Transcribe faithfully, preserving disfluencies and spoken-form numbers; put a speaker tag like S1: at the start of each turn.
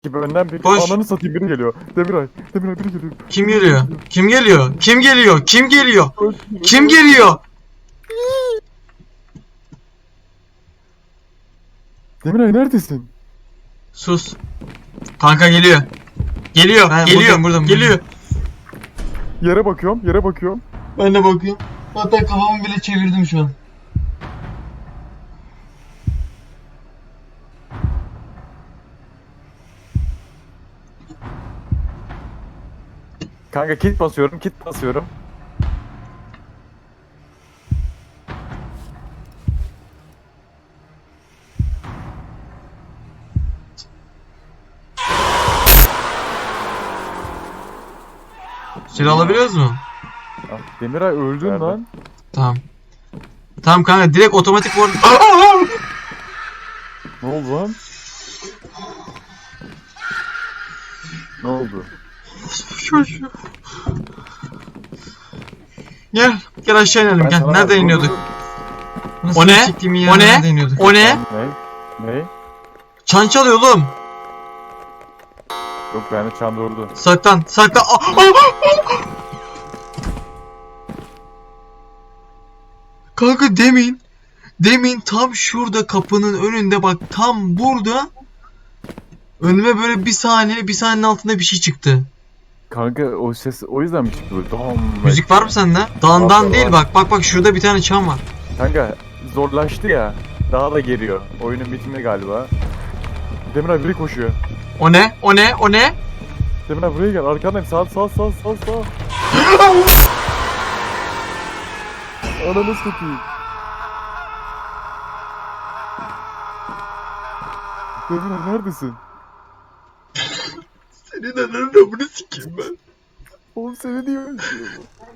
S1: gibi önden bir
S2: Koş.
S1: ananı satayım biri geliyor. Demiray, Demiray biri geliyor.
S2: Kim geliyor? Kim geliyor? Kim geliyor? Kim geliyor?
S1: Koş.
S2: Kim geliyor?
S1: Demiray neredesin?
S2: Sus. Kanka geliyor. Geliyor.
S3: Ben
S2: geliyor.
S3: buradayım, buradayım,
S2: geliyor.
S1: Yere bakıyorum, yere bakıyorum.
S3: Ben de bakıyorum. Hatta kafamı bile çevirdim şu an.
S1: Kanka kit basıyorum, kit basıyorum.
S2: Silah alabiliyoruz mu?
S1: Ah, Demiray öldün
S4: Nerede?
S1: lan.
S2: Tamam. Tamam kanka direkt otomatik vur.
S1: Ne oldu lan? Ne oldu?
S2: Çocuğu. Gel. Gel aşağı inelim
S1: Ben
S2: gel.
S1: sana-
S2: Nereden iniyorduk?
S3: Nasıl
S2: O ne?
S3: siktiğimin
S2: O
S3: yerine
S2: ne?
S3: nerede iniyorduk?
S2: O ne?
S1: Ne? Ne?
S2: Çan çalıyor oğlum.
S1: Yok bende çan durdu.
S2: Saklan. Saklan. Aa, aa, aa. Kanka demin. Demin tam şurada kapının önünde bak tam burada. Önüme böyle bir saniye bir saniyenin altında bir şey çıktı.
S1: Kanka o ses o yüzden mi çıktı böyle? Dam.
S2: Müzik var mı sende? Dan
S1: Var,
S2: dan
S1: var,
S2: değil
S1: var.
S2: bak bak bak şurada bir tane çan var.
S1: Kanka zorlaştı ya. Daha da geliyor. Oyunun bitimi galiba. Demiray biri koşuyor.
S2: O ne? O ne? O ne?
S1: Demiray buraya gel. Arkandayım. Sağ sağ sağ sağ sağ. Ananı satayım. Demiray neredesin?
S2: Senin ananı bunu sikeyim ben.
S1: Oğlum seni niye öldürüyor?